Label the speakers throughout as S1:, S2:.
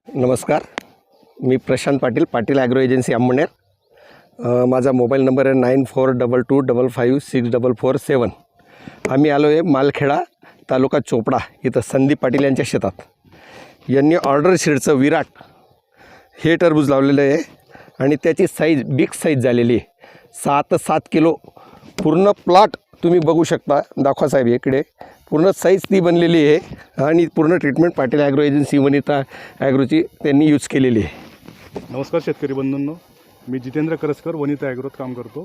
S1: नमस्कार, मी Prashant Patil, Patil agro agency Amalner. माझा मोबाईल नंबर आहे 9422556447। आम्ही आलो आहे मालखेडा, तालुका चोपडा इथं संदीप पाटील यांच्या शेतात। यांनी ऑर्डर शीटचं विराट हे टरबूज लावलेलं आहे आणि त्याची साईज बिग साईज झालेली आहे। 7 किलो पूर्ण प्लॉट तुम्ही बघू शकता। दाखवा साहेब इकडे पूर्ण साईज ती बनलेली आहे आणि पूर्ण treatment Patil agro agency Vanita ॲग्रोची त्यांनी यूज केलेली आहे।
S2: नमस्कार शेतकरी बंधूंनो, मी जितेंद्र करसकर वनिता ॲग्रोत काम करतो।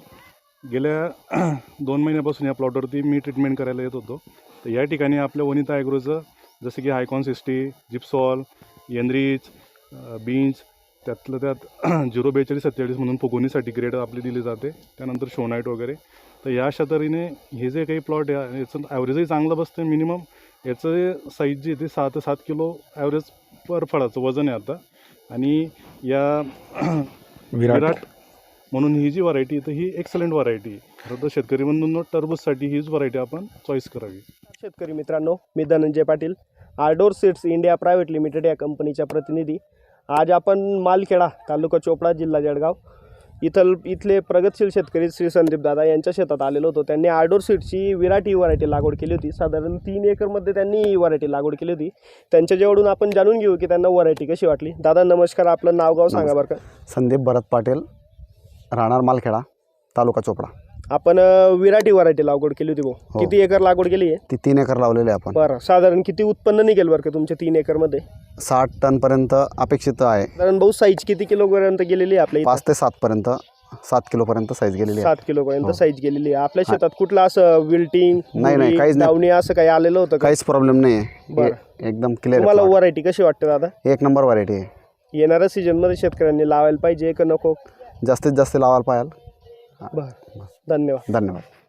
S2: गेल्या 2 महिन्यापासून या प्लॉटवरती मी ट्रीटमेंट करायला येत होतो। तर या ठिकाणी आपल्या वनिता ॲग्रोचं जसं की हायकॉन 60, जिप्सॉल, एनरिच, बीन्स, त्यातलं त्यात 04247 म्हणून फुगवणीसाठी ग्रेड आपली दिली जाते, त्यानंतर शोनाईट वगैरे। तर या अशा तऱ्हेने हे जे काही प्लॉट आहे याचं ॲव्हरेजही चांगलं बसतं। मिनिमम याचं साईज जी ते 6 ते 7 किलो ॲव्हरेज पर फळाचं वजन आहे आता। आणि या विराट म्हणून ही जी व्हरायटी तर ही एक्सलंट व्हरायटी आहे। खरं तर शेतकरी बंधूंनो, टरबूजसाठी हीच व्हरायटी आपण चॉईस करावी।
S3: शेतकरी मित्रांनो, मी Dhananjay Patil, ardor seeds India private limited या कंपनीचा प्रतिनिधी। आज आपण मालखेडा, तालुका चोपडा, जिल्हा जळगाव इथले प्रगतशील शेतकरी श्री संदीप दादा यांच्या शेतात आलेलो होतो। त्यांनी आर्डोर सीड्सची विराट ही व्हरायटी लागवड केली होती। साधारण 3 एकरमध्ये त्यांनी ही व्हरायटी लागवड केली होती। त्यांच्याजवळून आपण जाणून घेऊ की त्यांना व्हरायटी कशी वाटली। दादा नमस्कार, आपलं नाव गाव सांगा बरं का।
S4: संदीप भरत पाटील, राहणार मालखेडा, तालुका चोपडा।
S3: आपण विराट ही व्हरायटी लागवड केली होती भाऊ, किती एकर लागवड केली आहे?
S4: ती 3 एकर लावलेली आहे आपण।
S3: बरं, साधारण किती उत्पन्न निघेल बरं का तुमच्या 3 एकरमध्ये?
S4: 60 टन पर्यंत अपेक्षित आहे।
S3: साधारण भाऊ साईज किती किलो पर्यंत गेलेली आहे आपल्या?
S4: 5 ते 7 पर्यंत, 7 किलो पर्यंत साईज गेलेली आहे।
S3: 7 किलो पर्यंत साईज गेलेली आहे आपल्या शेतात। कुठला असं विल्टिंग,
S4: नाही, काहीच नाही,
S3: दावणी असं काही आलेलं होतं का?
S4: काहीच प्रॉब्लेम नाही आहे,
S3: बरं।
S4: एकदम क्लिअर।
S3: तुम्हाला व्हरायटी कशी वाटते दादा?
S4: 1 नंबर व्हरायटी आहे।
S3: येणाऱ्या सीजन मध्ये शेतकऱ्यांनी लावायला पाहिजे का नको?
S4: जास्तीत जास्त लावायला पाहिजे।
S3: बरं, धन्यवाद।
S4: धन्यवाद।